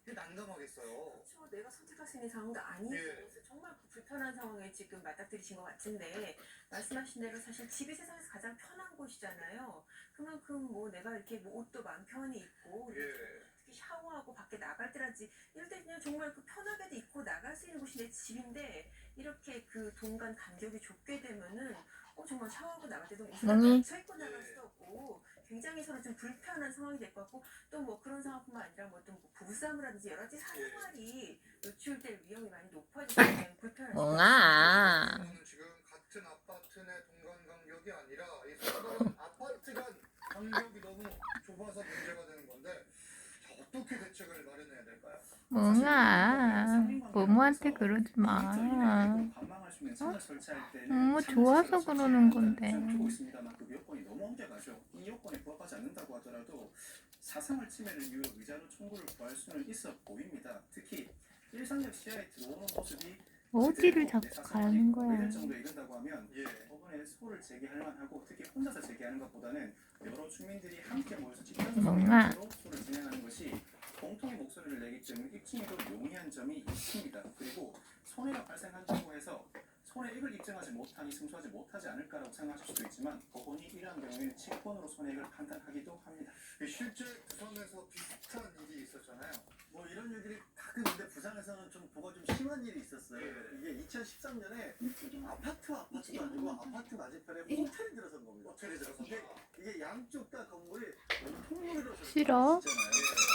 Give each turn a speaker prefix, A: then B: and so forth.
A: 난감하겠어요.
B: 그렇죠. 내가 선택할 수 있는 상황도 아니고 그래서 정말 불편한 상황에 지금 맞닥뜨리신 것 같은데 말씀하신 대로 사실 집이 세상에서 가장 편한 곳이잖아요. 그만큼 뭐 내가 이렇게 뭐 옷도 마음 편히 입고 특히 샤워하고 밖에 나갈 때라든지 이럴 때 그냥 정말 그 편하게도 입고 나갈 수 있는 곳이 내 집인데 이렇게 그 동간 간격이 좁게 되면은 정말 샤워하고 나갈 때도 옷을 갇혀 입고 나갈 수도 없고 굉장히 서로 좀 불편한 상황이 될 것 같고 또 뭐 그런 상황뿐만 아니라 뭐또 부부싸움이라든지 여러 가지 사생활이 노출될 위험이 많이 높아지기 때문에 불편할 수
C: 멍아.
A: 저는 지금 같은 아파트 내 동간 간격이 아니라 이 서로 아파트 간 간격이 너무 좁아서 문제가 되는 건데 자, 어떻게 대책을 마련해야 될까요?
C: 멍아. 모모한테 그러지 마. 너무 좋아서 그러는 건데.
D: 주고 있습니다만 그 요건이 너무 엄격하죠. 이 요건에 부합하지 않는다고 하더라도 사생활 침해를 이유로 의자로 청구를 구할 수는 있어 보입니다. 특히 일상적 시야에 들어오는 모습이
C: 어디를 자꾸 가는 거야.
D: 이럴 정도 이른다고 하면 법원에 소를 제기할 만하고 특히 혼자서 제기하는 것보다는 여러 주민들이 함께 모여서 직접적으로 소를 진행하는 것이 공통의 목소리를 내기 때문에 입증이 더 용이한 점이 있습니다. 그리고 손해가 발생한다고 해서 손해액을 입증하지 못하니 승소하지 못하지 않을까라고 생각하실 수도 있지만 법원이 이러한 경우에는 채권으로 손해액을 판단하기도 합니다.
A: 실제 부산에서 비슷한 일이 있었잖아요.
E: 뭐 이런 일들이 가끔 근데 부산에서는 좀 보가 좀 심한 일이 있었어요. 이게 2013년에 아파트도 아니고 아파트 맞은편에 호텔이 들어선 겁니다.
A: 호텔이 들어서
E: 이게 양쪽 다 건물이 통로로
C: 싫어?
E: 있잖아요.